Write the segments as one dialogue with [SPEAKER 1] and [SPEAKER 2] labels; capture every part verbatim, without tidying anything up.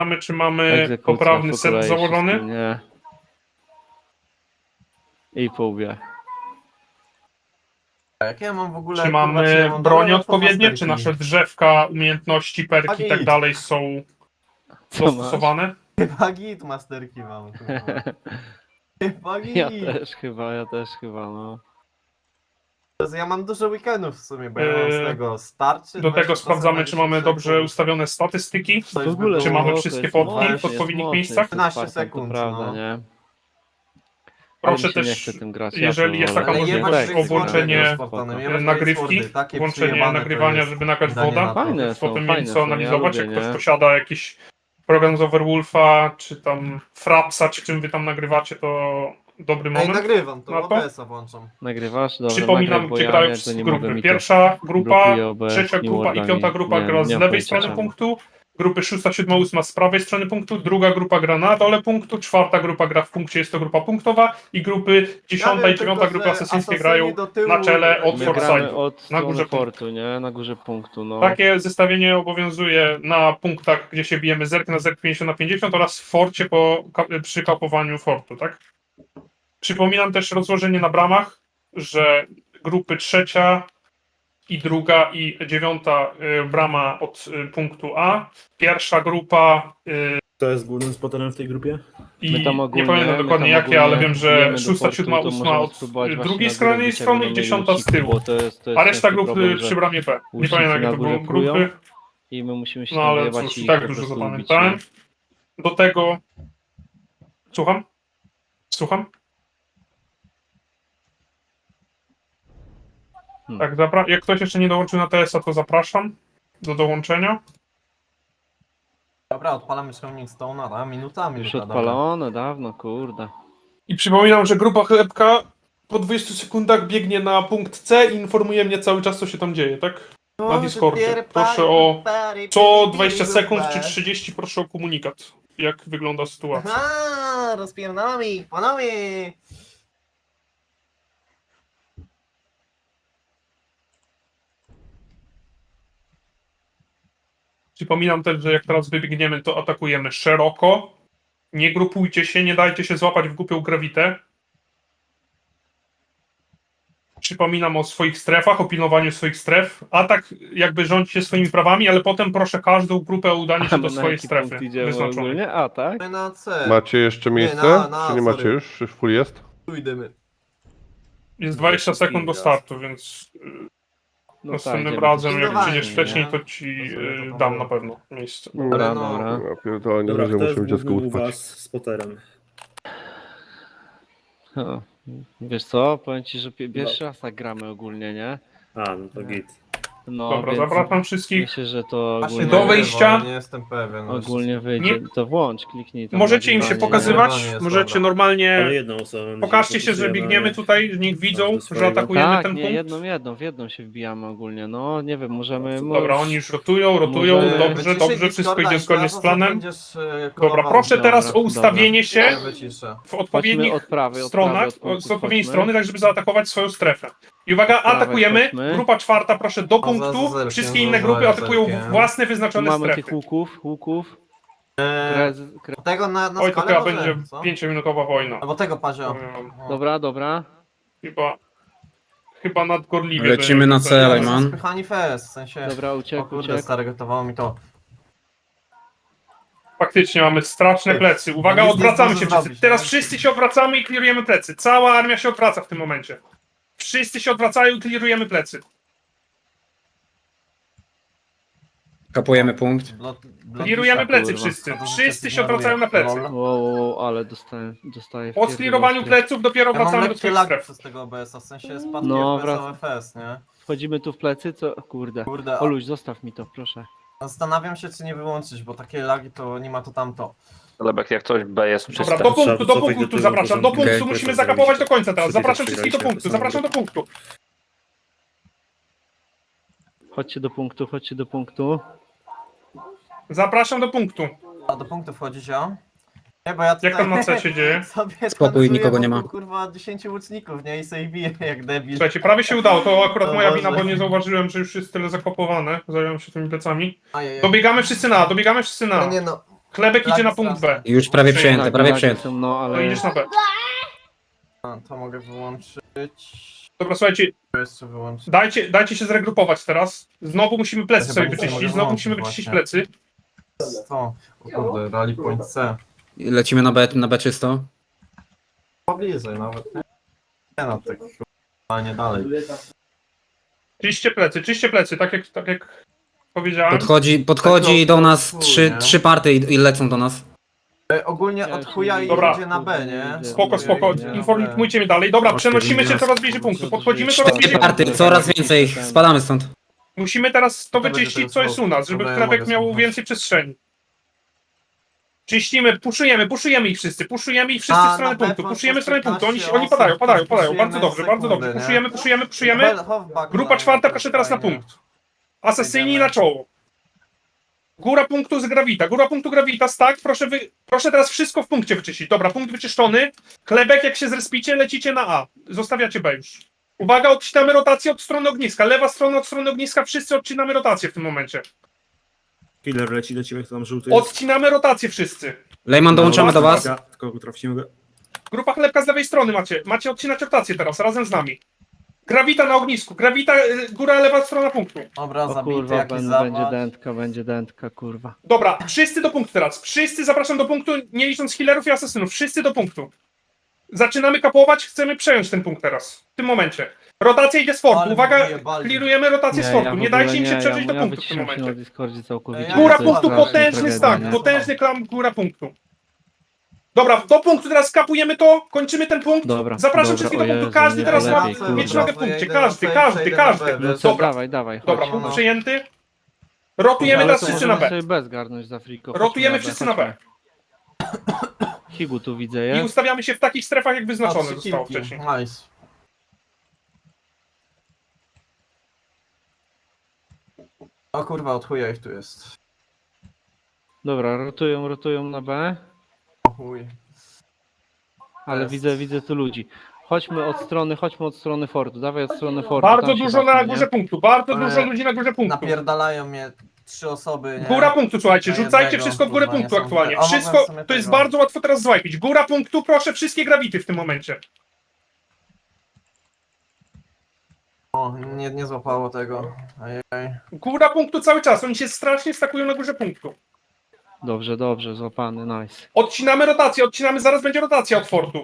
[SPEAKER 1] Mamy, czy mamy
[SPEAKER 2] Egzekucja
[SPEAKER 1] poprawny
[SPEAKER 2] po
[SPEAKER 1] set
[SPEAKER 2] kolei
[SPEAKER 1] założony?
[SPEAKER 2] wszystkim, nie. I po łbie.
[SPEAKER 3] A jak ja mam w ogóle...
[SPEAKER 1] Czy
[SPEAKER 3] kurwa,
[SPEAKER 1] mamy
[SPEAKER 3] ja mam
[SPEAKER 1] broń
[SPEAKER 3] dobre
[SPEAKER 1] odpowiednie? Czy
[SPEAKER 3] masterki?
[SPEAKER 1] nasze drzewka, umiejętności, perki i tak
[SPEAKER 3] Git.
[SPEAKER 1] dalej są
[SPEAKER 2] Co masz?
[SPEAKER 1] dostosowane?
[SPEAKER 3] Chyba git masterki mam, kurwa. Chyba git.
[SPEAKER 2] Ja też chyba, ja też chyba, no.
[SPEAKER 3] Ja mam dużo weekendów w sumie, bo ja mam z
[SPEAKER 1] Yy,
[SPEAKER 3] tego starczy.
[SPEAKER 1] Do tego sprawdzamy, czy mamy dobrze ustawione statystyki.
[SPEAKER 3] To
[SPEAKER 2] W
[SPEAKER 3] już by
[SPEAKER 2] ogóle,
[SPEAKER 1] Czy
[SPEAKER 3] było-
[SPEAKER 1] mamy
[SPEAKER 2] no,
[SPEAKER 1] wszystkie
[SPEAKER 2] jest
[SPEAKER 1] fotki
[SPEAKER 2] mocny,
[SPEAKER 1] w odpowiednich
[SPEAKER 2] jest
[SPEAKER 1] miejscach?
[SPEAKER 2] mocny,
[SPEAKER 3] piętnaście
[SPEAKER 2] jest Spartan,
[SPEAKER 3] sekund,
[SPEAKER 2] to prawda,
[SPEAKER 3] no.
[SPEAKER 2] nie? Ale
[SPEAKER 1] Proszę
[SPEAKER 2] mi się nie
[SPEAKER 1] też,
[SPEAKER 2] chce tym grać.
[SPEAKER 1] jeżeli
[SPEAKER 2] ja
[SPEAKER 1] jest
[SPEAKER 2] to
[SPEAKER 1] taka
[SPEAKER 2] wolę.
[SPEAKER 3] Ale
[SPEAKER 1] możliwość,
[SPEAKER 3] jebać
[SPEAKER 1] o
[SPEAKER 3] Race
[SPEAKER 1] włączenie
[SPEAKER 3] Sporty, Sportanem, jebać
[SPEAKER 1] nagrywki,
[SPEAKER 3] Race Sporty, takie
[SPEAKER 1] włączenie
[SPEAKER 3] przejebane to
[SPEAKER 1] nagrywania,
[SPEAKER 3] jest.
[SPEAKER 1] żeby nagrać
[SPEAKER 3] Danie
[SPEAKER 1] woda.
[SPEAKER 3] na to.
[SPEAKER 2] Fajne są,
[SPEAKER 1] Potem mieli
[SPEAKER 2] fajne
[SPEAKER 1] co
[SPEAKER 2] są, ja
[SPEAKER 1] analizować,
[SPEAKER 2] lubię,
[SPEAKER 1] jak ktoś
[SPEAKER 2] nie?
[SPEAKER 1] posiada jakiś program z Overwolfa, czy tam Frapsa, czy czym wy tam nagrywacie, to dobry
[SPEAKER 3] Ej,
[SPEAKER 1] moment.
[SPEAKER 3] nagrywam to,
[SPEAKER 1] Na to?
[SPEAKER 3] O B S-a włączam.
[SPEAKER 2] Nagrywasz? Dobra,
[SPEAKER 1] Przypominam,
[SPEAKER 2] nagraj, bo
[SPEAKER 1] gdzie
[SPEAKER 2] ja
[SPEAKER 1] grają
[SPEAKER 2] jakby
[SPEAKER 1] wszystkie
[SPEAKER 2] nie mogę
[SPEAKER 1] grupy.
[SPEAKER 2] mi to
[SPEAKER 1] Pierwsza grupa,
[SPEAKER 2] blokuje O B S,
[SPEAKER 1] trzecia
[SPEAKER 2] New
[SPEAKER 1] grupa i
[SPEAKER 2] Worldami.
[SPEAKER 1] piąta grupa
[SPEAKER 2] Nie-
[SPEAKER 1] gra
[SPEAKER 2] nie
[SPEAKER 1] z
[SPEAKER 2] mam
[SPEAKER 1] lewej
[SPEAKER 2] pojęcia
[SPEAKER 1] strony
[SPEAKER 2] czemu.
[SPEAKER 1] punktu, grupy szósta, siódma, ósma z prawej strony punktu, druga grupa gra na dole punktu, czwarta grupa gra w punkcie, jest to grupa punktowa i grupy dziesiąta
[SPEAKER 3] wiem
[SPEAKER 1] i dziewiąta
[SPEAKER 3] tylko,
[SPEAKER 1] grupy
[SPEAKER 3] że
[SPEAKER 1] asesyńskie
[SPEAKER 3] asasyni
[SPEAKER 1] grają
[SPEAKER 3] do tyłu
[SPEAKER 1] na czele od
[SPEAKER 3] nie
[SPEAKER 2] My gramy
[SPEAKER 1] Forsythu.
[SPEAKER 2] od
[SPEAKER 1] Na
[SPEAKER 2] strony
[SPEAKER 1] górze punktu.
[SPEAKER 2] fortu, nie? Na górze punktu, no.
[SPEAKER 1] Takie zestawienie obowiązuje na punktach, gdzie się bijemy zerk na zerk pięćdziesiąt na pięćdziesiąt oraz w forcie po, ka- przy kapowaniu fortu, tak? Przypominam też rozłożenie na bramach, że grupy trzecia i druga i dziewiąta y, brama od y, punktu A, pierwsza grupa y,
[SPEAKER 4] Kto jest głównym spoterem w tej grupie?
[SPEAKER 1] i
[SPEAKER 2] My tam
[SPEAKER 1] nie
[SPEAKER 2] ogólnie,
[SPEAKER 1] pamiętam
[SPEAKER 2] my
[SPEAKER 1] dokładnie
[SPEAKER 2] tam
[SPEAKER 1] jakie, ale
[SPEAKER 2] ogólnie
[SPEAKER 1] wiem, że
[SPEAKER 2] bijemy do
[SPEAKER 1] szósta,
[SPEAKER 2] fortu,
[SPEAKER 1] siódma,
[SPEAKER 2] to
[SPEAKER 1] ósma
[SPEAKER 2] możemy
[SPEAKER 1] od
[SPEAKER 2] spróbować
[SPEAKER 1] y,
[SPEAKER 2] właśnie
[SPEAKER 1] drugiej
[SPEAKER 2] na
[SPEAKER 1] strony
[SPEAKER 2] górę
[SPEAKER 1] strony i
[SPEAKER 2] bić, jak
[SPEAKER 1] dziesiąta
[SPEAKER 2] będą
[SPEAKER 1] z
[SPEAKER 2] mieli
[SPEAKER 1] tyłu.
[SPEAKER 2] łuczników, bo to jest, to jest
[SPEAKER 1] A reszta
[SPEAKER 2] ciężki
[SPEAKER 1] grup
[SPEAKER 2] problem,
[SPEAKER 1] y,
[SPEAKER 2] że
[SPEAKER 1] przy bramie B. Nie
[SPEAKER 2] łucznicy
[SPEAKER 1] pamiętam
[SPEAKER 2] na
[SPEAKER 1] jakie to
[SPEAKER 2] górze
[SPEAKER 1] były
[SPEAKER 2] prują
[SPEAKER 1] grupy.
[SPEAKER 2] i my musimy się
[SPEAKER 1] No
[SPEAKER 2] tam
[SPEAKER 1] ale
[SPEAKER 2] wyjebać
[SPEAKER 1] cóż,
[SPEAKER 2] i
[SPEAKER 1] i tak
[SPEAKER 2] po
[SPEAKER 1] dużo
[SPEAKER 2] prostu ubić,
[SPEAKER 1] zapamiętałem.
[SPEAKER 2] nie?
[SPEAKER 1] Do tego... Słucham? Słucham?
[SPEAKER 2] Hmm.
[SPEAKER 1] Tak, zapra- jak ktoś jeszcze nie dołączył na T S a, to zapraszam do dołączenia.
[SPEAKER 3] Dobra, odpalamy Shining Stone'a, a minuta,
[SPEAKER 2] Już
[SPEAKER 3] minuta, dobra.
[SPEAKER 2] odpalone dawno, kurde.
[SPEAKER 1] I przypominam, że grupa chlebka po dwudziestu sekundach biegnie na punkt C i informuje mnie cały czas, co się tam dzieje, tak? Na Discordzie. Proszę o co dwadzieścia sekund czy trzydzieści proszę o komunikat. Jak wygląda sytuacja.
[SPEAKER 3] Aha, rozpierdolamy ich, panowie!
[SPEAKER 1] Przypominam też, że jak teraz wybiegniemy, to atakujemy szeroko. Nie grupujcie się, nie dajcie się złapać w głupią grawitę. Przypominam o swoich strefach, o pilnowaniu swoich stref. Atak jakby rządźcie swoimi prawami, ale potem proszę każdą grupę o udanie
[SPEAKER 2] A
[SPEAKER 1] się
[SPEAKER 2] my
[SPEAKER 1] do
[SPEAKER 2] na
[SPEAKER 1] swojej
[SPEAKER 2] jaki
[SPEAKER 1] strefy
[SPEAKER 2] punkt idziemy
[SPEAKER 1] wyznaczonej.
[SPEAKER 2] ogólnie? A, tak?
[SPEAKER 3] My na C.
[SPEAKER 5] Macie jeszcze
[SPEAKER 3] Nie,
[SPEAKER 5] miejsce?
[SPEAKER 3] na- na,
[SPEAKER 5] Czy nie macie
[SPEAKER 3] sorry.
[SPEAKER 5] już? Już full jest?
[SPEAKER 3] Tu idziemy.
[SPEAKER 1] Jest dwadzieścia sekund do startu, więc
[SPEAKER 2] No
[SPEAKER 1] następnym
[SPEAKER 2] idziemy
[SPEAKER 1] razem,
[SPEAKER 2] tu
[SPEAKER 1] jak
[SPEAKER 3] zdecydowanie,
[SPEAKER 1] przyjdziesz wcześniej,
[SPEAKER 3] nie?
[SPEAKER 1] to ci
[SPEAKER 3] To sobie to
[SPEAKER 1] y,
[SPEAKER 3] tam
[SPEAKER 1] dam
[SPEAKER 3] było.
[SPEAKER 1] na pewno miejsce.
[SPEAKER 2] Dobra,
[SPEAKER 3] Ale no-
[SPEAKER 2] dobra.
[SPEAKER 5] Ja pierdolę, nie
[SPEAKER 4] Dobra,
[SPEAKER 5] wiem, że
[SPEAKER 4] kto jest
[SPEAKER 5] musimy dziecko
[SPEAKER 4] głównym u
[SPEAKER 5] uspać.
[SPEAKER 4] was spoterem?
[SPEAKER 2] O, wiesz co, powiem ci, że pi- pierwszy raz tak gramy ogólnie, nie?
[SPEAKER 4] A, no to git.
[SPEAKER 2] No,
[SPEAKER 1] Dobra,
[SPEAKER 2] więc
[SPEAKER 1] zapraszam wszystkich.
[SPEAKER 2] myślę, że to
[SPEAKER 3] Właśnie
[SPEAKER 2] ogólnie,
[SPEAKER 1] Do
[SPEAKER 3] nagrywa,
[SPEAKER 1] wejścia.
[SPEAKER 3] ale Nie jestem pewien. no
[SPEAKER 2] ogólnie
[SPEAKER 3] jeszcze-
[SPEAKER 2] wyjdzie.
[SPEAKER 1] Nie-
[SPEAKER 2] To włącz, kliknij tam.
[SPEAKER 1] Możecie im się
[SPEAKER 2] nagrywanie,
[SPEAKER 1] pokazywać,
[SPEAKER 3] nagrywanie jest
[SPEAKER 1] możecie
[SPEAKER 3] dobra.
[SPEAKER 1] normalnie...
[SPEAKER 4] Ale jedną osobę. będzie
[SPEAKER 1] Pokażcie się, że
[SPEAKER 4] fokusujemy,
[SPEAKER 1] biegniemy
[SPEAKER 4] ale-
[SPEAKER 1] tutaj, niech widzą,
[SPEAKER 4] Każdy
[SPEAKER 1] że
[SPEAKER 4] swojego.
[SPEAKER 1] atakujemy
[SPEAKER 2] Tak,
[SPEAKER 1] ten
[SPEAKER 2] nie,
[SPEAKER 1] punkt.
[SPEAKER 2] jedną, jedną, w jedną się wbijamy ogólnie. No, nie wiem, możemy...
[SPEAKER 1] Dobra, oni już rotują, rotują,
[SPEAKER 2] Możemy-
[SPEAKER 1] dobrze,
[SPEAKER 3] Wyciszę
[SPEAKER 1] dobrze, wszystko
[SPEAKER 3] Discorda
[SPEAKER 1] idzie
[SPEAKER 3] i
[SPEAKER 1] zgodnie z
[SPEAKER 3] teraz
[SPEAKER 1] planem.
[SPEAKER 3] będziesz, e,
[SPEAKER 1] Dobra,
[SPEAKER 3] kolował.
[SPEAKER 1] proszę
[SPEAKER 2] Dobra,
[SPEAKER 1] teraz o
[SPEAKER 2] dobra.
[SPEAKER 1] ustawienie się
[SPEAKER 3] Ja wyciszę.
[SPEAKER 1] w odpowiednich
[SPEAKER 2] Chodźmy od prawej, od
[SPEAKER 1] stronach,
[SPEAKER 2] prawej, od punktu
[SPEAKER 1] z odpowiedniej
[SPEAKER 2] chodźmy.
[SPEAKER 1] strony, tak żeby zaatakować swoją strefę. I uwaga,
[SPEAKER 2] prawej
[SPEAKER 1] atakujemy,
[SPEAKER 2] chodźmy.
[SPEAKER 1] grupa czwarta, proszę, do
[SPEAKER 3] O,
[SPEAKER 1] punktu,
[SPEAKER 3] zaraz zerknę,
[SPEAKER 1] wszystkie
[SPEAKER 3] no,
[SPEAKER 1] inne grupy
[SPEAKER 3] zaraz
[SPEAKER 1] atakują
[SPEAKER 3] zerknę.
[SPEAKER 1] własne
[SPEAKER 2] Tu
[SPEAKER 1] wyznaczone
[SPEAKER 2] mamy
[SPEAKER 1] strefy.
[SPEAKER 2] tych łuków, łuków.
[SPEAKER 3] E,
[SPEAKER 2] Krez, kre...
[SPEAKER 3] tego na, na
[SPEAKER 1] Oj, to
[SPEAKER 3] skalę
[SPEAKER 1] chyba
[SPEAKER 3] może,
[SPEAKER 1] będzie
[SPEAKER 3] co?
[SPEAKER 1] pięciominutowa wojna.
[SPEAKER 3] Albo tego pazio.
[SPEAKER 1] Powiem wam.
[SPEAKER 2] Dobra, dobra.
[SPEAKER 1] Chyba, chyba nadgorliwie.
[SPEAKER 6] Lecimy na
[SPEAKER 1] będzie
[SPEAKER 6] cel,
[SPEAKER 1] tutaj.
[SPEAKER 6] man.
[SPEAKER 3] Spychani fest, w sensie...
[SPEAKER 2] Dobra,
[SPEAKER 3] O
[SPEAKER 2] uciekł,
[SPEAKER 3] kurde,
[SPEAKER 2] uciekł.
[SPEAKER 3] stary, gotowało mi to.
[SPEAKER 1] Faktycznie mamy straszne plecy. Uwaga,
[SPEAKER 3] Nic nie
[SPEAKER 1] odwracamy
[SPEAKER 3] zdążę
[SPEAKER 1] się wszyscy.
[SPEAKER 3] zrobić,
[SPEAKER 1] Teraz
[SPEAKER 3] nie?
[SPEAKER 1] wszyscy się odwracamy i klirujemy plecy. Cała armia się odwraca w tym momencie. Wszyscy się odwracają i klirujemy plecy.
[SPEAKER 6] Kapujemy punkt.
[SPEAKER 3] Blot- blot-
[SPEAKER 1] Klirujemy plecy
[SPEAKER 2] kurwa.
[SPEAKER 1] wszyscy.
[SPEAKER 3] To to
[SPEAKER 1] Wszyscy
[SPEAKER 3] się
[SPEAKER 1] się odwracają na plecy.
[SPEAKER 3] Lol.
[SPEAKER 2] Wow, wow, wow, ale dostaję, dostaję.
[SPEAKER 1] Po sklirowaniu pleców dopiero
[SPEAKER 3] Ja mam
[SPEAKER 1] wracamy do
[SPEAKER 3] lekkie
[SPEAKER 1] swoich
[SPEAKER 3] lagi
[SPEAKER 1] stref.
[SPEAKER 3] przez tego O B S-a, w sensie spadki
[SPEAKER 2] No,
[SPEAKER 3] F P S,
[SPEAKER 2] wrac-
[SPEAKER 3] F S, nie?
[SPEAKER 2] Wchodzimy tu w plecy, co? Kurde.
[SPEAKER 3] Kurde, a
[SPEAKER 2] Oluś, zostaw mi to, proszę.
[SPEAKER 3] zastanawiam się, czy nie wyłączyć, bo takie lagi to nie ma to tamto.
[SPEAKER 7] Lebek, jak coś B jest
[SPEAKER 1] Dobra,
[SPEAKER 7] czyste.
[SPEAKER 1] do punktu,
[SPEAKER 4] Trzeba
[SPEAKER 1] do
[SPEAKER 4] cofać do
[SPEAKER 1] punktu
[SPEAKER 4] tyłu,
[SPEAKER 1] zapraszam. Do
[SPEAKER 4] porządku.
[SPEAKER 1] punktu
[SPEAKER 6] Okej,
[SPEAKER 1] musimy
[SPEAKER 4] to
[SPEAKER 1] zakapować do
[SPEAKER 4] zrobić.
[SPEAKER 1] końca teraz.
[SPEAKER 4] Wszyscy
[SPEAKER 1] Zapraszam
[SPEAKER 4] też
[SPEAKER 1] wszystkich do
[SPEAKER 4] przegraliście,
[SPEAKER 1] punktu,
[SPEAKER 4] to samo
[SPEAKER 1] zapraszam do punktu.
[SPEAKER 2] Chodźcie do punktu, chodźcie do punktu.
[SPEAKER 1] Zapraszam do punktu.
[SPEAKER 3] A do punktu wchodzić, ja? Nie, bo ja tutaj...
[SPEAKER 1] Jak tam na C się dzieje?
[SPEAKER 3] sobie
[SPEAKER 6] Spokój,
[SPEAKER 3] tancuję
[SPEAKER 6] nikogo nie
[SPEAKER 3] wokół,
[SPEAKER 6] ma.
[SPEAKER 3] kurwa dziesięciu łuczników, nie? I sobie biję jak debil.
[SPEAKER 1] Słuchajcie, prawie się udało. To akurat
[SPEAKER 3] O
[SPEAKER 1] moja
[SPEAKER 3] Boże.
[SPEAKER 1] wina, bo nie zauważyłem, że już jest tyle zakopowane. Zająłem się tymi plecami.
[SPEAKER 3] Ajajaj.
[SPEAKER 1] Dobiegamy wszyscy na, dobiegamy wszyscy
[SPEAKER 3] No
[SPEAKER 1] na.
[SPEAKER 3] nie no,
[SPEAKER 1] Chlebek idzie na punkt B.
[SPEAKER 6] Już prawie
[SPEAKER 1] Przyjęte,
[SPEAKER 6] przyjęte,
[SPEAKER 2] Tak,
[SPEAKER 6] prawie
[SPEAKER 2] lagi
[SPEAKER 6] przyjęte.
[SPEAKER 2] są, no
[SPEAKER 1] To
[SPEAKER 2] ale...
[SPEAKER 1] idziesz na B.
[SPEAKER 3] A, to mogę wyłączyć.
[SPEAKER 1] Dobra, słuchajcie,
[SPEAKER 3] To jeszcze wyłączyć.
[SPEAKER 1] dajcie, dajcie się zregrupować teraz. Znowu musimy plecy
[SPEAKER 3] Ja
[SPEAKER 1] sobie
[SPEAKER 3] chyba nic nie
[SPEAKER 1] wyczyścić,
[SPEAKER 3] mogę
[SPEAKER 1] znowu musimy
[SPEAKER 3] włączyć
[SPEAKER 1] wyczyścić
[SPEAKER 3] właśnie.
[SPEAKER 1] plecy.
[SPEAKER 3] To. O kurde, rally point C.
[SPEAKER 6] Lecimy na B, na B czysto.
[SPEAKER 3] Pobliżej nawet, nie? Nie no, tak chyba nie dalej.
[SPEAKER 1] Czyście plecy, czyście plecy, tak jak, tak jak powiedziałem.
[SPEAKER 6] Podchodzi, podchodzi do nas trzy, trzy party i, i lecą do nas.
[SPEAKER 3] E, ogólnie
[SPEAKER 2] Ja
[SPEAKER 3] od
[SPEAKER 2] się
[SPEAKER 3] chuja
[SPEAKER 2] nie
[SPEAKER 1] Dobra.
[SPEAKER 3] idzie na B, nie?
[SPEAKER 1] Spoko,
[SPEAKER 3] Od chuja
[SPEAKER 1] spoko,
[SPEAKER 3] idzie na B.
[SPEAKER 1] informujcie mnie dalej. Dobra, przenosimy się coraz bliżej punktu, podchodzimy coraz
[SPEAKER 6] Cztery
[SPEAKER 1] bliżej
[SPEAKER 6] party,
[SPEAKER 1] punktu.
[SPEAKER 6] coraz więcej, spadamy stąd.
[SPEAKER 1] Musimy teraz to
[SPEAKER 3] To będzie
[SPEAKER 1] wyczyścić,
[SPEAKER 3] ten
[SPEAKER 1] co jest
[SPEAKER 3] smoke.
[SPEAKER 1] u nas, żeby
[SPEAKER 3] Dobra, ja
[SPEAKER 1] chlebek
[SPEAKER 3] mogę
[SPEAKER 1] miał
[SPEAKER 3] słuchać.
[SPEAKER 1] więcej przestrzeni. Czyścimy, puszujemy, puszujemy ich wszyscy, puszujemy ich wszyscy
[SPEAKER 3] A,
[SPEAKER 1] w stronę
[SPEAKER 3] na B
[SPEAKER 1] punktu,
[SPEAKER 3] po
[SPEAKER 1] puszujemy w stronę punktu, oni,
[SPEAKER 3] piętnaście
[SPEAKER 1] oni padają,
[SPEAKER 3] osób,
[SPEAKER 1] padają, padają,
[SPEAKER 3] puszujemy
[SPEAKER 1] bardzo dobrze, bardzo
[SPEAKER 3] sekundy,
[SPEAKER 1] dobrze,
[SPEAKER 3] nie?
[SPEAKER 1] puszujemy, puszujemy, puszujemy,
[SPEAKER 3] Hel- halfback
[SPEAKER 1] grupa
[SPEAKER 3] line,
[SPEAKER 1] czwarta
[SPEAKER 3] to
[SPEAKER 1] proszę teraz na
[SPEAKER 3] fajnie.
[SPEAKER 1] punkt. Asesyni
[SPEAKER 3] Wejdziemy.
[SPEAKER 1] na czoło. Góra punktu z Gravita, góra punktu Gravita, tak, proszę wy, proszę teraz wszystko w punkcie wyczyścić. Dobra, punkt wyczyszczony, chlebek jak się zrespicie, lecicie na A, zostawiacie B już. Uwaga, odcinamy rotację od strony ogniska, lewa strona od strony ogniska, wszyscy odcinamy rotację w tym momencie.
[SPEAKER 4] Killer leci do ciebie, kto tam żółty jest.
[SPEAKER 1] Odcinamy rotację wszyscy.
[SPEAKER 6] Lejman, dołączamy do was.
[SPEAKER 4] Uwaga, tylko trafimy go.
[SPEAKER 1] Grupa chlebka z lewej strony macie. Macie odcinać rotację teraz, razem z nami. Grawita na ognisku. Grawita, y, góra, lewa strona punktu.
[SPEAKER 3] Dobra,
[SPEAKER 2] O
[SPEAKER 3] zabity
[SPEAKER 2] kurwa,
[SPEAKER 3] jakiś
[SPEAKER 2] ben,
[SPEAKER 3] zawad.
[SPEAKER 2] będzie dętka, będzie dętka, kurwa.
[SPEAKER 1] Dobra, wszyscy do punktu teraz. Wszyscy zapraszam do punktu, nie licząc healerów i asesynów. Wszyscy do punktu. Zaczynamy kapować, chcemy przejąć ten punkt teraz. W tym momencie. Rotacja idzie z fortu.
[SPEAKER 3] Ale
[SPEAKER 1] Uwaga,
[SPEAKER 3] wyjebali.
[SPEAKER 1] klirujemy rotację z fortu.
[SPEAKER 2] w
[SPEAKER 1] Nie
[SPEAKER 2] ogóle
[SPEAKER 1] dajcie im się
[SPEAKER 2] nie,
[SPEAKER 1] przeżyć
[SPEAKER 2] ja,
[SPEAKER 1] do
[SPEAKER 2] ja
[SPEAKER 1] punktu w tym
[SPEAKER 2] wyciszam się na
[SPEAKER 1] momencie.
[SPEAKER 2] Discordzie całkowicie.
[SPEAKER 3] Ja-
[SPEAKER 1] Góra
[SPEAKER 2] to jest
[SPEAKER 1] punktu,
[SPEAKER 2] straszna
[SPEAKER 1] potężny
[SPEAKER 2] tragedia,
[SPEAKER 1] stack,
[SPEAKER 2] nie?
[SPEAKER 1] potężny klam, góra punktu. Dobra, do punktu teraz kapujemy to, kończymy ten punkt.
[SPEAKER 2] Dobra,
[SPEAKER 1] Zapraszam
[SPEAKER 2] dobra,
[SPEAKER 1] wszystkich
[SPEAKER 2] o
[SPEAKER 1] do punktu,
[SPEAKER 2] Jezu,
[SPEAKER 1] każdy
[SPEAKER 2] nie,
[SPEAKER 1] teraz ma
[SPEAKER 2] lepiej, kurwa.
[SPEAKER 1] mieć nogę w
[SPEAKER 3] To ja
[SPEAKER 1] punkcie,
[SPEAKER 3] idę na
[SPEAKER 1] każdy,
[SPEAKER 3] C,
[SPEAKER 1] każdy,
[SPEAKER 3] przejdę na
[SPEAKER 1] każdy.
[SPEAKER 3] B,
[SPEAKER 2] No
[SPEAKER 3] wiesz?
[SPEAKER 2] co,
[SPEAKER 1] Dobra.
[SPEAKER 2] dawaj, dawaj, chodź.
[SPEAKER 1] Dobra,
[SPEAKER 3] no.
[SPEAKER 1] punkt przejęty. Rotujemy
[SPEAKER 2] Ale
[SPEAKER 1] teraz
[SPEAKER 2] to
[SPEAKER 1] wszyscy na
[SPEAKER 2] możemy
[SPEAKER 1] B.
[SPEAKER 2] sobie bez garnąć za friko.
[SPEAKER 1] Rotujemy
[SPEAKER 2] Chodźmy
[SPEAKER 1] wszyscy na B.
[SPEAKER 2] chodźmy. Higu tu widzę,
[SPEAKER 1] I
[SPEAKER 2] jest.
[SPEAKER 1] ustawiamy się w takich strefach, jak
[SPEAKER 3] A,
[SPEAKER 1] wyznaczone
[SPEAKER 3] trzy
[SPEAKER 1] zostało
[SPEAKER 3] kilki.
[SPEAKER 1] wcześniej.
[SPEAKER 3] Nice. O kurwa, od chuja ich tu jest.
[SPEAKER 2] Dobra, rotują, rotują na B,
[SPEAKER 3] O chuj.
[SPEAKER 2] ale
[SPEAKER 3] Jest.
[SPEAKER 2] widzę, widzę tu ludzi. Chodźmy od strony, chodźmy od strony fortu, dawaj od strony fortu.
[SPEAKER 1] Bardzo
[SPEAKER 2] tam się
[SPEAKER 1] dużo
[SPEAKER 2] bawmy,
[SPEAKER 1] na
[SPEAKER 2] nie?
[SPEAKER 1] górze punktu, bardzo
[SPEAKER 3] Ale
[SPEAKER 1] dużo ludzi na górze punktu.
[SPEAKER 3] Napierdalają mnie trzy osoby, nie?
[SPEAKER 1] Góra punktu, słuchajcie,
[SPEAKER 3] Na
[SPEAKER 1] rzucajcie
[SPEAKER 3] jednego,
[SPEAKER 1] wszystko w górę
[SPEAKER 3] kurwa, nie
[SPEAKER 1] punktu
[SPEAKER 3] są
[SPEAKER 1] aktualnie.
[SPEAKER 3] te- o, mogłem w
[SPEAKER 1] Wszystko,
[SPEAKER 3] sumie
[SPEAKER 1] to jest
[SPEAKER 3] tego.
[SPEAKER 1] bardzo łatwo teraz złajpić. Góra punktu, proszę, wszystkie grawity w tym momencie.
[SPEAKER 3] O, nie, nie złapało tego. Ajaj.
[SPEAKER 1] Góra punktu cały czas, oni się strasznie stakują na górze punktu.
[SPEAKER 2] Dobrze, dobrze, złapany, nice.
[SPEAKER 1] Odcinamy rotację, odcinamy, zaraz będzie rotacja od fortu.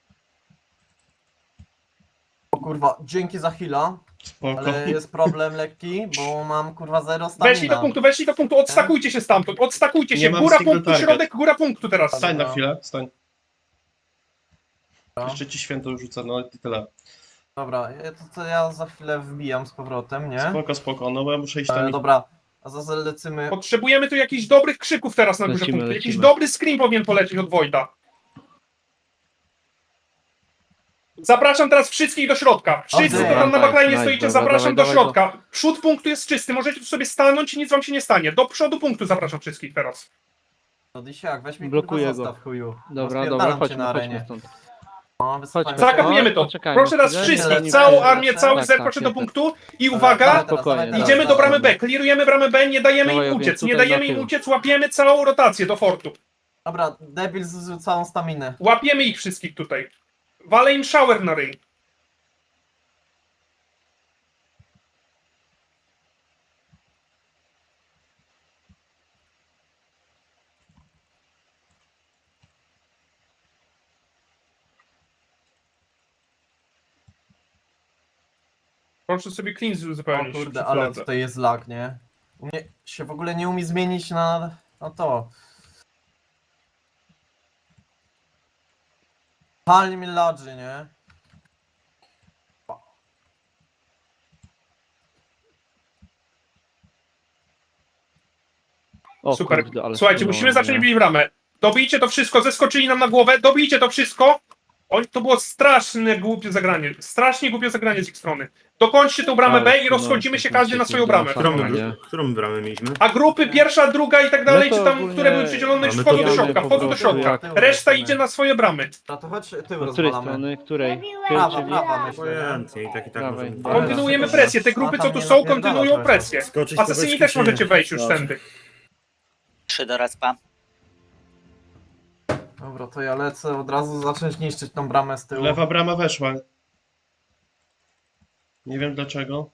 [SPEAKER 3] O kurwa, dzięki za heal'a,
[SPEAKER 5] Spoko.
[SPEAKER 3] ale jest problem lekki, bo mam kurwa zero stamina.
[SPEAKER 1] Weszli do punktu, weszli do punktu, odstakujcie się stamtąd, odstakujcie
[SPEAKER 5] Nie
[SPEAKER 1] się.
[SPEAKER 5] mam
[SPEAKER 1] Góra
[SPEAKER 5] single
[SPEAKER 1] punktu,
[SPEAKER 5] target.
[SPEAKER 1] środek, góra punktu teraz.
[SPEAKER 5] Stań na chwilę, stań.
[SPEAKER 3] No.
[SPEAKER 5] Jeszcze ci święto rzucę, no i tyle.
[SPEAKER 3] Dobra, ja- to, to ja za chwilę wbijam z powrotem, nie?
[SPEAKER 5] Spoko, spoko, no bo ja muszę iść tam
[SPEAKER 3] Ale
[SPEAKER 5] i...
[SPEAKER 3] dobra, a zaraz lecimy.
[SPEAKER 1] Potrzebujemy tu jakichś dobrych krzyków teraz na górze
[SPEAKER 2] Lecimy,
[SPEAKER 1] punktu. Jakiś
[SPEAKER 2] lecimy.
[SPEAKER 1] dobry scream powinien polecieć od Wojda. Zapraszam teraz wszystkich do środka. Wszyscy,
[SPEAKER 3] Okej.
[SPEAKER 1] co tam na
[SPEAKER 2] Nice,
[SPEAKER 1] backline
[SPEAKER 2] nice,
[SPEAKER 1] stoicie,
[SPEAKER 2] dobra,
[SPEAKER 1] zapraszam
[SPEAKER 2] dawaj,
[SPEAKER 1] do
[SPEAKER 2] dawaj,
[SPEAKER 1] środka. Przód punktu jest czysty, możecie tu sobie stanąć i nic wam się nie stanie. Do przodu punktu zapraszam wszystkich teraz.
[SPEAKER 3] No Disiak, weź mi
[SPEAKER 2] Blokuję
[SPEAKER 3] kurwa
[SPEAKER 2] go.
[SPEAKER 3] zostaw chuju.
[SPEAKER 2] Dobra,
[SPEAKER 3] Rozpierdalam
[SPEAKER 2] dobra,
[SPEAKER 3] cię
[SPEAKER 2] chodźmy,
[SPEAKER 3] na
[SPEAKER 2] chodźmy
[SPEAKER 3] arenie.
[SPEAKER 2] stąd.
[SPEAKER 3] No, wysypałem
[SPEAKER 2] Chodźmy.
[SPEAKER 3] się.
[SPEAKER 1] Zakapujemy to.
[SPEAKER 2] Poczekajmy
[SPEAKER 1] Proszę teraz
[SPEAKER 2] chwilę,
[SPEAKER 1] wszystkich,
[SPEAKER 3] nie,
[SPEAKER 1] całą
[SPEAKER 3] nie,
[SPEAKER 1] armię,
[SPEAKER 3] nie,
[SPEAKER 1] cały
[SPEAKER 2] tak,
[SPEAKER 1] zerk
[SPEAKER 2] tak,
[SPEAKER 1] proszę do
[SPEAKER 2] nie,
[SPEAKER 1] punktu i
[SPEAKER 3] Dawaj
[SPEAKER 1] uwaga,
[SPEAKER 3] teraz,
[SPEAKER 2] Spokojnie,
[SPEAKER 3] dawaj teraz,
[SPEAKER 1] idziemy do
[SPEAKER 3] dawaj.
[SPEAKER 1] bramy B, klirujemy bramę B, nie dajemy
[SPEAKER 2] Dawaj,
[SPEAKER 1] im
[SPEAKER 2] ogień,
[SPEAKER 1] uciec, nie
[SPEAKER 2] tutaj
[SPEAKER 1] dajemy
[SPEAKER 2] na
[SPEAKER 1] im
[SPEAKER 2] tył.
[SPEAKER 1] uciec, łapiemy całą rotację do fortu.
[SPEAKER 3] Dobra, debil zużył całą staminę.
[SPEAKER 1] Łapiemy ich wszystkich tutaj. Walę im shower na ryj. Proszę sobie clean
[SPEAKER 3] O
[SPEAKER 1] uzupełnić.
[SPEAKER 3] kurde,
[SPEAKER 1] przy
[SPEAKER 3] ale
[SPEAKER 1] fladze.
[SPEAKER 3] tutaj jest lag, nie? U mnie się w ogóle nie umie zmienić na, na to. Pali mi ladży, nie?
[SPEAKER 2] O,
[SPEAKER 1] Super.
[SPEAKER 2] kurde, ale
[SPEAKER 1] Słuchajcie,
[SPEAKER 2] wpłynąłem,
[SPEAKER 1] musimy zacząć
[SPEAKER 2] nie?
[SPEAKER 1] bić bramę. Dobijcie to wszystko, zeskoczyli nam na głowę, dobijcie to wszystko. Oj, to było straszne, głupie zagranie. Strasznie głupie zagranie z ich strony. Dokończcie tą bramę
[SPEAKER 2] Ale
[SPEAKER 1] B i
[SPEAKER 2] wpłynąłem,
[SPEAKER 1] rozchodzimy się
[SPEAKER 2] to
[SPEAKER 1] każdy na
[SPEAKER 2] jest
[SPEAKER 1] swoją bramę.
[SPEAKER 2] Którą
[SPEAKER 4] Którą,
[SPEAKER 2] my-
[SPEAKER 4] my, którą bramę mieliśmy?
[SPEAKER 1] A grupy pierwsza, druga i tak dalej,
[SPEAKER 2] No to
[SPEAKER 1] czy tam,
[SPEAKER 2] ogólnie
[SPEAKER 1] które były przydzielone, już
[SPEAKER 4] mamy
[SPEAKER 1] wchodzą
[SPEAKER 4] to
[SPEAKER 1] do
[SPEAKER 4] gramy
[SPEAKER 1] środka,
[SPEAKER 2] po
[SPEAKER 1] wchodzą do
[SPEAKER 2] prostu
[SPEAKER 1] środka.
[SPEAKER 2] jak-
[SPEAKER 1] Reszta idzie na swoje bramy.
[SPEAKER 3] A to chodź tył
[SPEAKER 2] Od której
[SPEAKER 3] rozwalamy.
[SPEAKER 2] strony? Której?
[SPEAKER 3] Prawa,
[SPEAKER 2] Czyli-
[SPEAKER 3] prawa myślę, nie?
[SPEAKER 4] Obojętnie, i tak i tak
[SPEAKER 2] Dawaj,
[SPEAKER 4] możemy...
[SPEAKER 2] dawaj.
[SPEAKER 1] Kontynuujemy presję, te grupy co tu są, kontynuują presję.
[SPEAKER 4] Skoczyć po
[SPEAKER 1] Asesyni
[SPEAKER 4] beczki,
[SPEAKER 1] też
[SPEAKER 4] czy
[SPEAKER 1] możecie
[SPEAKER 4] nie?
[SPEAKER 1] wejść już
[SPEAKER 4] Dobrze.
[SPEAKER 1] tędy.
[SPEAKER 8] Trzy do respa.
[SPEAKER 3] Dobra, to ja lecę od razu zacząć niszczyć tą bramę z tyłu.
[SPEAKER 5] Lewa brama weszła. Nie wiem dlaczego.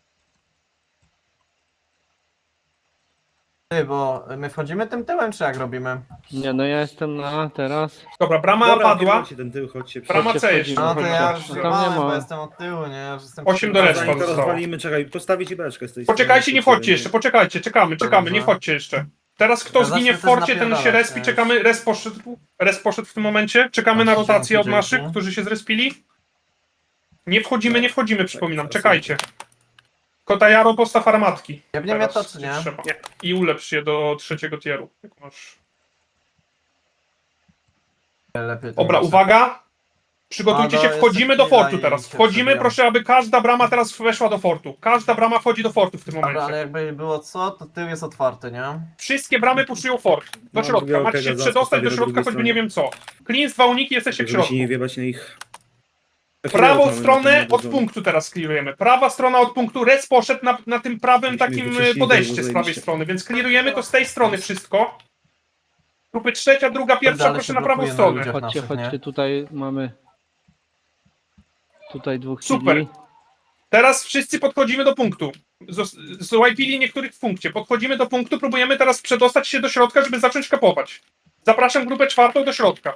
[SPEAKER 3] Ty, bo my wchodzimy tym tyłem, czy jak robimy?
[SPEAKER 2] Nie, no ja jestem na teraz.
[SPEAKER 1] Dobra, brama
[SPEAKER 4] Dobra,
[SPEAKER 1] padła.
[SPEAKER 4] kierujcie ten tył, chodźcie.
[SPEAKER 1] Brama
[SPEAKER 2] Chodźcie,
[SPEAKER 1] C jeszcze.
[SPEAKER 2] wchodzimy.
[SPEAKER 3] No to
[SPEAKER 1] chodźcie.
[SPEAKER 3] ja już
[SPEAKER 2] No tam nie
[SPEAKER 3] zjebałem,
[SPEAKER 2] ma.
[SPEAKER 3] bo jestem od tyłu, nie? Ja już jestem
[SPEAKER 1] Osiem do
[SPEAKER 3] przy-
[SPEAKER 1] respa
[SPEAKER 4] Zanim to
[SPEAKER 1] zostało.
[SPEAKER 4] rozwalimy, czekaj, postawić beczkę z tej
[SPEAKER 1] Poczekajcie, nie wchodźcie jeszcze, poczekajcie, czekamy, czekamy, nie
[SPEAKER 3] Dobrze.
[SPEAKER 1] wchodźcie jeszcze. Teraz kto
[SPEAKER 3] Ja
[SPEAKER 1] zginie w
[SPEAKER 3] zacznę też
[SPEAKER 1] forcie, ten się
[SPEAKER 3] napierdalać,
[SPEAKER 1] respi,
[SPEAKER 3] nie?
[SPEAKER 1] czekamy, res poszedł, res poszedł w tym momencie, czekamy na
[SPEAKER 3] Dzięki,
[SPEAKER 1] rotację od
[SPEAKER 3] dzięki.
[SPEAKER 1] naszych, którzy się zrespili. Nie wchodzimy, nie wchodzimy, przypominam, czekajcie. Kotajaro, postaw armatki.
[SPEAKER 3] Jebnie mnie to,
[SPEAKER 1] Teraz,
[SPEAKER 3] czy
[SPEAKER 1] gdzie
[SPEAKER 3] nie?
[SPEAKER 1] trzeba. I ulepsz je do trzeciego tieru, jak masz.
[SPEAKER 3] Lepiej to
[SPEAKER 1] Dobra,
[SPEAKER 3] lecę.
[SPEAKER 1] uwaga! Przygotujcie
[SPEAKER 3] A,
[SPEAKER 1] się,
[SPEAKER 3] no,
[SPEAKER 1] wchodzimy
[SPEAKER 3] jeszcze
[SPEAKER 1] do
[SPEAKER 3] chwila
[SPEAKER 1] fortu
[SPEAKER 3] i
[SPEAKER 1] teraz.
[SPEAKER 3] się
[SPEAKER 1] Wchodzimy,
[SPEAKER 3] przebijam.
[SPEAKER 1] proszę, aby każda brama teraz weszła do fortu. Każda brama wchodzi do fortu w tym
[SPEAKER 3] Dobra, ale
[SPEAKER 1] momencie.
[SPEAKER 3] jakby było co, to tył jest otwarty, nie?
[SPEAKER 1] Wszystkie bramy puszują fort. Do
[SPEAKER 4] Mam
[SPEAKER 1] środka.
[SPEAKER 4] drugiego
[SPEAKER 1] Macie się
[SPEAKER 4] kega, zaraz
[SPEAKER 1] przedostać do
[SPEAKER 4] postawię do
[SPEAKER 1] środka,
[SPEAKER 4] drugiej
[SPEAKER 1] choćby
[SPEAKER 4] strony.
[SPEAKER 1] nie wiem co. Klins, dwa uniki, jesteście w
[SPEAKER 4] Żeby się
[SPEAKER 1] środku.
[SPEAKER 4] nie wiebać na ich...
[SPEAKER 1] Prawą
[SPEAKER 4] Mamy
[SPEAKER 1] stronę
[SPEAKER 4] na tym
[SPEAKER 1] od punktu teraz clearujemy. Prawa strona od punktu. Res poszedł na, na tym prawym
[SPEAKER 4] Musimy
[SPEAKER 1] takim
[SPEAKER 4] wyczyścić
[SPEAKER 1] podejście
[SPEAKER 4] drogę,
[SPEAKER 1] z prawej
[SPEAKER 4] zajebiście.
[SPEAKER 1] strony, więc clearujemy to z tej strony wszystko. Grupy trzecia, druga, pierwsza,
[SPEAKER 3] Ale
[SPEAKER 1] proszę
[SPEAKER 3] się
[SPEAKER 1] na prawą
[SPEAKER 3] blokuje na
[SPEAKER 1] stronę.
[SPEAKER 3] ludziach.
[SPEAKER 2] Chodźcie,
[SPEAKER 3] naszych, nie?
[SPEAKER 2] chodźcie, tutaj mamy. Tutaj dwóch
[SPEAKER 1] Super.
[SPEAKER 2] kili.
[SPEAKER 1] Teraz wszyscy podchodzimy do punktu. Zos- Złajpili niektórych w punkcie. Podchodzimy do punktu, próbujemy teraz przedostać się do środka, żeby zacząć kapować. Zapraszam grupę czwartą do środka.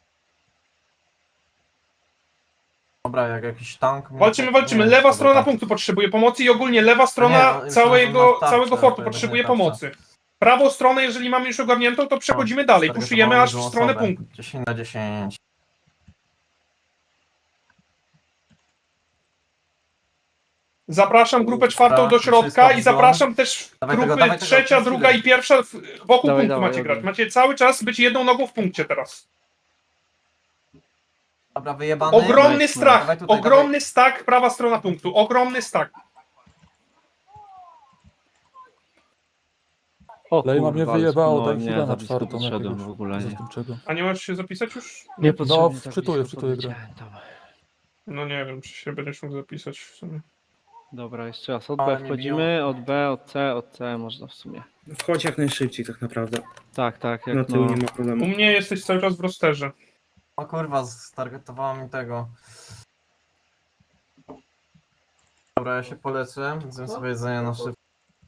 [SPEAKER 3] Dobra, jak jakiś tank...
[SPEAKER 1] Walczymy,
[SPEAKER 3] nie,
[SPEAKER 1] walczymy.
[SPEAKER 3] nie,
[SPEAKER 1] Lewa
[SPEAKER 3] dobra,
[SPEAKER 1] strona
[SPEAKER 3] tak.
[SPEAKER 1] punktu potrzebuje pomocy i ogólnie lewa strona
[SPEAKER 3] Nie, no, już
[SPEAKER 1] całego,
[SPEAKER 3] na tarczę,
[SPEAKER 1] całego fortu
[SPEAKER 3] to
[SPEAKER 1] potrzebuje
[SPEAKER 3] będzie tarcza.
[SPEAKER 1] pomocy. Prawą stronę, jeżeli mamy już ogarniętą, to przechodzimy dalej.
[SPEAKER 3] Targetowałem
[SPEAKER 1] Puszujemy aż w
[SPEAKER 3] dużą
[SPEAKER 1] stronę
[SPEAKER 3] osobę.
[SPEAKER 1] punktu.
[SPEAKER 3] dziesięć na dziesięć.
[SPEAKER 1] Zapraszam grupę czwartą
[SPEAKER 3] Dobra,
[SPEAKER 1] do środka
[SPEAKER 3] wszystko
[SPEAKER 1] i
[SPEAKER 3] w
[SPEAKER 1] zapraszam też
[SPEAKER 3] Dawaj tego,
[SPEAKER 1] grupy
[SPEAKER 3] dawaj tego,
[SPEAKER 1] trzecia,
[SPEAKER 3] przez
[SPEAKER 1] druga
[SPEAKER 3] chwilę.
[SPEAKER 1] i pierwsza. w- Wokół
[SPEAKER 2] Dawaj,
[SPEAKER 1] punktu
[SPEAKER 2] dawaj,
[SPEAKER 1] macie
[SPEAKER 2] dawaj.
[SPEAKER 1] grać. Macie cały czas być jedną nogą w punkcie teraz.
[SPEAKER 3] Dobra, wyjebany.
[SPEAKER 1] Ogromny
[SPEAKER 2] Nice,
[SPEAKER 1] strach,
[SPEAKER 3] Dawaj tutaj,
[SPEAKER 1] ogromny stack, prawa strona punktu, ogromny stack.
[SPEAKER 2] O
[SPEAKER 8] Lejma mnie
[SPEAKER 2] kurwa, ale
[SPEAKER 8] wyjebało,
[SPEAKER 2] spłynąłem,
[SPEAKER 8] daj
[SPEAKER 2] nie,
[SPEAKER 8] chwilę
[SPEAKER 2] za
[SPEAKER 8] na
[SPEAKER 2] blisko
[SPEAKER 8] czwartą
[SPEAKER 2] podszedłem
[SPEAKER 8] jakiegoś.
[SPEAKER 2] w ogóle, nie.
[SPEAKER 8] Zastępczego.
[SPEAKER 1] A nie możesz się zapisać już?
[SPEAKER 2] Nie potrzebnie,
[SPEAKER 8] No,
[SPEAKER 2] tak
[SPEAKER 8] wczytuję,
[SPEAKER 2] blisko
[SPEAKER 8] wczytuję grę.
[SPEAKER 2] podleciałem tam.
[SPEAKER 1] No nie wiem, czy się będziesz mógł zapisać w sumie.
[SPEAKER 2] Dobra, jeszcze raz. Od
[SPEAKER 3] Ale
[SPEAKER 2] B
[SPEAKER 3] mnie
[SPEAKER 2] wchodzimy, od B, od C, od C można w sumie.
[SPEAKER 4] Wchodź jak najszybciej tak naprawdę.
[SPEAKER 2] Tak, tak,
[SPEAKER 4] Na
[SPEAKER 2] jak
[SPEAKER 4] tył
[SPEAKER 2] no.
[SPEAKER 4] nie ma
[SPEAKER 1] U
[SPEAKER 4] problemu.
[SPEAKER 1] mnie jesteś cały czas w rosterze.
[SPEAKER 3] O kurwa, stargetowała mi tego. Dobra, ja się polecę. Zjem sobie jedzenie na szybko.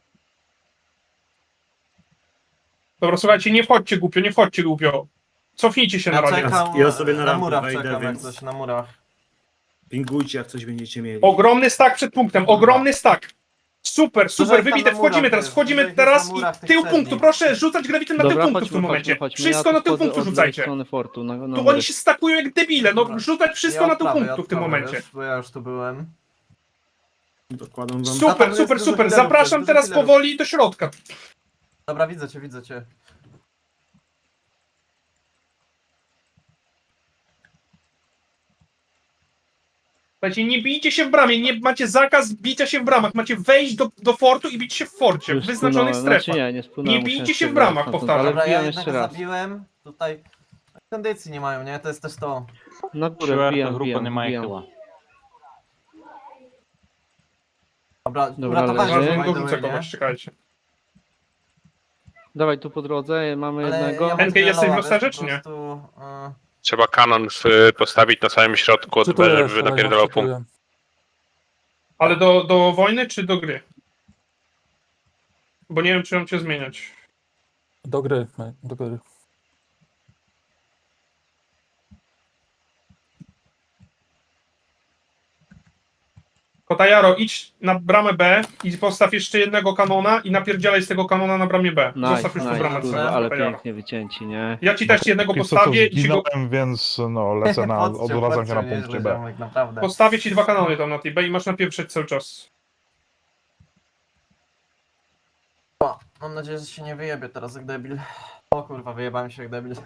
[SPEAKER 1] Dobra, słuchajcie, nie wchodźcie głupio, nie wchodźcie głupio. Cofnijcie się na
[SPEAKER 3] Ja
[SPEAKER 1] razie.
[SPEAKER 3] czekam
[SPEAKER 4] Ja sobie na
[SPEAKER 3] na
[SPEAKER 4] rampę
[SPEAKER 3] murach
[SPEAKER 4] wejdę,
[SPEAKER 3] czekam, jak
[SPEAKER 4] więc-
[SPEAKER 3] coś na murach.
[SPEAKER 4] Pingujcie jak coś będziecie mieli.
[SPEAKER 1] Ogromny stack przed punktem, ogromny stack. Super, super,
[SPEAKER 3] Dużo ich tam
[SPEAKER 1] wybite,
[SPEAKER 3] na
[SPEAKER 1] wchodzimy
[SPEAKER 3] murach
[SPEAKER 1] teraz,
[SPEAKER 3] jest,
[SPEAKER 1] wchodzimy
[SPEAKER 3] dużo ich
[SPEAKER 1] teraz
[SPEAKER 3] jest na murach
[SPEAKER 1] i
[SPEAKER 3] tych
[SPEAKER 1] tył
[SPEAKER 3] przednich.
[SPEAKER 1] punktu, proszę rzucać gravitem na tył
[SPEAKER 2] Dobra,
[SPEAKER 1] punktu w
[SPEAKER 2] chodźmy,
[SPEAKER 1] tym
[SPEAKER 2] chodźmy,
[SPEAKER 1] momencie.
[SPEAKER 2] chodźmy.
[SPEAKER 1] Wszystko
[SPEAKER 2] ja
[SPEAKER 1] na
[SPEAKER 2] tu
[SPEAKER 1] tył
[SPEAKER 2] wchodzę
[SPEAKER 1] punktu
[SPEAKER 2] od lewej
[SPEAKER 1] rzucajcie.
[SPEAKER 2] strony fortu, na, na
[SPEAKER 1] Tu
[SPEAKER 2] mury.
[SPEAKER 1] oni się stakują jak debile, no
[SPEAKER 3] Dobra.
[SPEAKER 1] rzucać wszystko
[SPEAKER 3] Ja
[SPEAKER 1] na tył
[SPEAKER 3] odprawię,
[SPEAKER 1] punktu w tym
[SPEAKER 3] odprawię,
[SPEAKER 1] momencie.
[SPEAKER 3] Wiesz, bo ja już tu byłem.
[SPEAKER 4] Dokładam wam.
[SPEAKER 3] A tam
[SPEAKER 1] Super,
[SPEAKER 3] jest
[SPEAKER 1] super,
[SPEAKER 3] dużo
[SPEAKER 1] super,
[SPEAKER 3] killerów,
[SPEAKER 1] zapraszam
[SPEAKER 3] jest dużo
[SPEAKER 1] teraz
[SPEAKER 3] killerów.
[SPEAKER 1] powoli do środka.
[SPEAKER 3] Dobra, widzę cię, widzę cię.
[SPEAKER 1] Słuchajcie, nie bijcie się w bramie, nie macie zakaz bicia się w bramach, macie wejść do, do fortu i bić się w forcie, w
[SPEAKER 2] Już
[SPEAKER 1] wyznaczonych
[SPEAKER 2] spłynąłem,
[SPEAKER 1] strefach.
[SPEAKER 2] znaczy nie, nie spłynąłem.
[SPEAKER 1] Nie bijcie
[SPEAKER 2] musiałem
[SPEAKER 1] się w
[SPEAKER 2] spierdalać
[SPEAKER 1] bramach,
[SPEAKER 2] stamtąd,
[SPEAKER 1] powtarzam.
[SPEAKER 2] Ale
[SPEAKER 3] Dobra, ja
[SPEAKER 2] wbijam jeszcze
[SPEAKER 3] jednego
[SPEAKER 2] raz.
[SPEAKER 3] zabiłem. Tutaj kondycji nie mają, nie? To jest też to.
[SPEAKER 2] Na górę
[SPEAKER 9] Чверта
[SPEAKER 2] wbijam,
[SPEAKER 9] група
[SPEAKER 2] wbijam,
[SPEAKER 9] немає
[SPEAKER 2] wbijam.
[SPEAKER 9] хила.
[SPEAKER 3] Dobra,
[SPEAKER 2] Dobra,
[SPEAKER 3] uratowałeś
[SPEAKER 2] leży.
[SPEAKER 3] mnie,
[SPEAKER 1] Zaraz
[SPEAKER 3] by
[SPEAKER 1] go
[SPEAKER 3] the
[SPEAKER 1] rzucę
[SPEAKER 3] way, nie?
[SPEAKER 1] kogoś, czekajcie.
[SPEAKER 2] Dawaj tu po drodze, mamy
[SPEAKER 3] Ale
[SPEAKER 2] jednego.
[SPEAKER 3] ja mam
[SPEAKER 1] N K, jesteś w
[SPEAKER 3] tyle
[SPEAKER 1] rosterze,
[SPEAKER 3] wiesz,
[SPEAKER 1] czy
[SPEAKER 3] po
[SPEAKER 1] nie?
[SPEAKER 3] prostu, y,
[SPEAKER 10] Trzeba kanon w, postawić na samym środku od B,
[SPEAKER 8] Czytuję
[SPEAKER 10] żeby
[SPEAKER 8] jeszcze,
[SPEAKER 10] napierdalał
[SPEAKER 8] Lejma,
[SPEAKER 10] punkt.
[SPEAKER 8] czytuję.
[SPEAKER 1] Ale do, do wojny czy do gry? Bo nie wiem, czy mam cię zmieniać.
[SPEAKER 8] Do gry, do gry.
[SPEAKER 1] Kotajaro, idź na bramę B i postaw jeszcze jednego kanona i napierdzielaj z tego kanona na bramie B.
[SPEAKER 2] Nice,
[SPEAKER 1] Zostaw już tu
[SPEAKER 2] nice,
[SPEAKER 1] bramę C.
[SPEAKER 2] kurwa, ale
[SPEAKER 1] Kotajaro.
[SPEAKER 2] pięknie wycięci, nie?
[SPEAKER 1] Ja ci też jednego
[SPEAKER 11] Póki co
[SPEAKER 1] postawię
[SPEAKER 11] to
[SPEAKER 1] i ci go...
[SPEAKER 11] zginąłem, więc no lecę na,
[SPEAKER 3] Chodźcie,
[SPEAKER 11] odwracam się na
[SPEAKER 3] chodźcie,
[SPEAKER 11] punkcie
[SPEAKER 3] nieźle,
[SPEAKER 11] B.
[SPEAKER 3] ziomek, naprawdę.
[SPEAKER 1] Postawię ci dwa kanony tam na tej B i masz napieprzeć cały czas.
[SPEAKER 3] O, mam nadzieję, że się nie wyjebie teraz jak debil. O kurwa, wyjebałem się jak debil.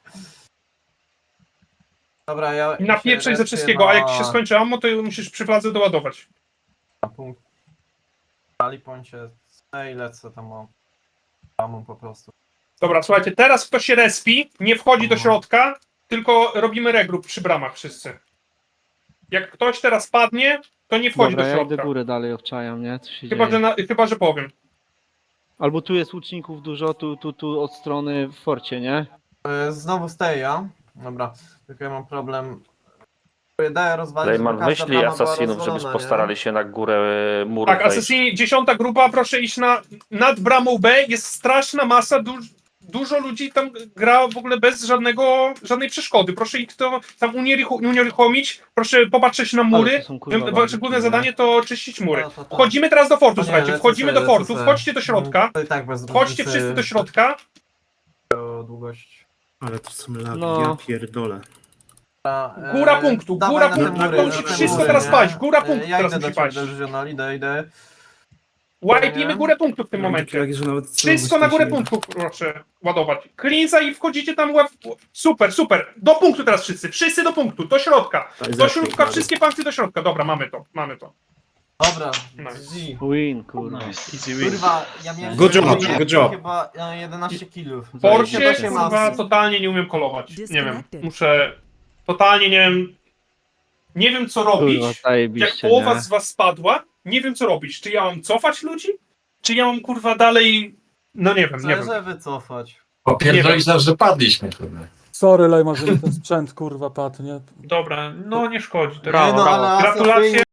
[SPEAKER 3] Dobra, ja...
[SPEAKER 1] I
[SPEAKER 3] ja
[SPEAKER 1] napieprzaj
[SPEAKER 3] się
[SPEAKER 1] ze
[SPEAKER 3] respię
[SPEAKER 1] wszystkiego, a jak ci się
[SPEAKER 3] na-
[SPEAKER 1] skończy ammo, to musisz przy fladze doładować.
[SPEAKER 3] Na punkt. Pali pońcie i lecę tam o... Tam po prostu.
[SPEAKER 1] Dobra, słuchajcie, teraz kto się respi, nie wchodzi do
[SPEAKER 3] Mhm.
[SPEAKER 1] środka, tylko robimy regroup przy bramach wszyscy. Jak ktoś teraz padnie, to nie wchodzi
[SPEAKER 2] Dobra,
[SPEAKER 1] do
[SPEAKER 2] ja idę
[SPEAKER 1] środka.
[SPEAKER 2] górę dalej obczajam, nie? Co się
[SPEAKER 1] Chyba
[SPEAKER 2] dzieje?
[SPEAKER 1] że, na, chyba, że powiem.
[SPEAKER 2] Albo tu jest łuczników dużo, tu, tu, tu od strony w forcie, nie?
[SPEAKER 3] Y, Znowu Steja. Dobra, tylko ja mam problem. Daję rozwalić,
[SPEAKER 7] Rayman,
[SPEAKER 3] bo każda
[SPEAKER 7] wyślij
[SPEAKER 3] brama była
[SPEAKER 7] asasinów, żeby
[SPEAKER 3] rozwalona,
[SPEAKER 7] postarali
[SPEAKER 3] nie?
[SPEAKER 7] się na górę e, muru
[SPEAKER 1] Tak,
[SPEAKER 7] wejść.
[SPEAKER 1] Assassini, dziesiąta grupa, proszę iść na, nad bramą B, jest straszna masa, duż, dużo ludzi tam gra w ogóle bez żadnego, żadnej przeszkody. Proszę ich to tam unierucho- unieruchomić, proszę popatrzeć na
[SPEAKER 2] Ale
[SPEAKER 1] mury.
[SPEAKER 2] to są, kurwa,
[SPEAKER 1] Wasze
[SPEAKER 2] bandyci,
[SPEAKER 1] główne
[SPEAKER 2] nie?
[SPEAKER 1] zadanie to czyścić mury.
[SPEAKER 3] No, to tak.
[SPEAKER 1] Wchodzimy teraz do fortu,
[SPEAKER 3] O nie,
[SPEAKER 1] słuchajcie,
[SPEAKER 3] lecę
[SPEAKER 1] wchodzimy
[SPEAKER 3] sobie,
[SPEAKER 1] do fortu,
[SPEAKER 3] lecę sobie.
[SPEAKER 1] wchodźcie do środka,
[SPEAKER 3] To i tak bez
[SPEAKER 1] wchodźcie
[SPEAKER 3] różnicy
[SPEAKER 1] wszyscy do środka.
[SPEAKER 3] o długość.
[SPEAKER 4] Ale to są lagi,
[SPEAKER 2] No.
[SPEAKER 4] ja pierdolę.
[SPEAKER 3] A, e,
[SPEAKER 1] Góra punktu,
[SPEAKER 3] dawaj
[SPEAKER 1] góra
[SPEAKER 3] na te
[SPEAKER 1] punktu,
[SPEAKER 3] mury,
[SPEAKER 1] to
[SPEAKER 3] na
[SPEAKER 1] musi
[SPEAKER 3] te
[SPEAKER 1] wszystko
[SPEAKER 3] mury,
[SPEAKER 1] teraz
[SPEAKER 3] nie?
[SPEAKER 1] paść, góra
[SPEAKER 3] E,
[SPEAKER 1] punktu
[SPEAKER 3] Ja
[SPEAKER 1] teraz
[SPEAKER 3] idę do
[SPEAKER 1] musi
[SPEAKER 3] ciebie,
[SPEAKER 1] paść.
[SPEAKER 3] Regional, idę, idę.
[SPEAKER 1] Łajpnijmy górę punktu w tym
[SPEAKER 4] Mam takie
[SPEAKER 1] momencie.
[SPEAKER 4] lagi, że nawet
[SPEAKER 1] Wszystko na górę punktu proszę ładować. Cleansa i wchodzicie tam łeb... Super, super. Do punktu teraz wszyscy. Wszyscy do punktu, do środka. Do środka, wszystkie punkty do środka. Dobra, mamy to, mamy to.
[SPEAKER 3] Dobra,
[SPEAKER 1] Nice.
[SPEAKER 3] Z.
[SPEAKER 2] Win, kurwa.
[SPEAKER 5] Easy win.
[SPEAKER 3] Kurwa, ja miałem
[SPEAKER 4] Good job,
[SPEAKER 3] ja
[SPEAKER 4] good job.
[SPEAKER 3] chyba e, jedenaście killów.
[SPEAKER 1] W Forcie,
[SPEAKER 3] Zajebiście.
[SPEAKER 1] kurwa, totalnie nie umiem kolować. Nie wiem, muszę... Totalnie nie wiem... Nie wiem, co robić.
[SPEAKER 2] Kurwa,
[SPEAKER 1] Jak
[SPEAKER 2] zajebiście,
[SPEAKER 1] połowa
[SPEAKER 2] nie?
[SPEAKER 1] z was spadła, nie wiem, co robić. Czy ja mam cofać ludzi? Czy ja mam, kurwa, dalej... No nie wiem, nie wiem.
[SPEAKER 3] Zależy wycofać.
[SPEAKER 1] Popierdolić
[SPEAKER 9] nas, że padliśmy chyba.
[SPEAKER 8] Sorry, Lejma, że mi ten sprzęt kurwa padł, nie?
[SPEAKER 1] Dobra, no nie szkodzi. To
[SPEAKER 3] Nie no, ale
[SPEAKER 1] Gratulacje.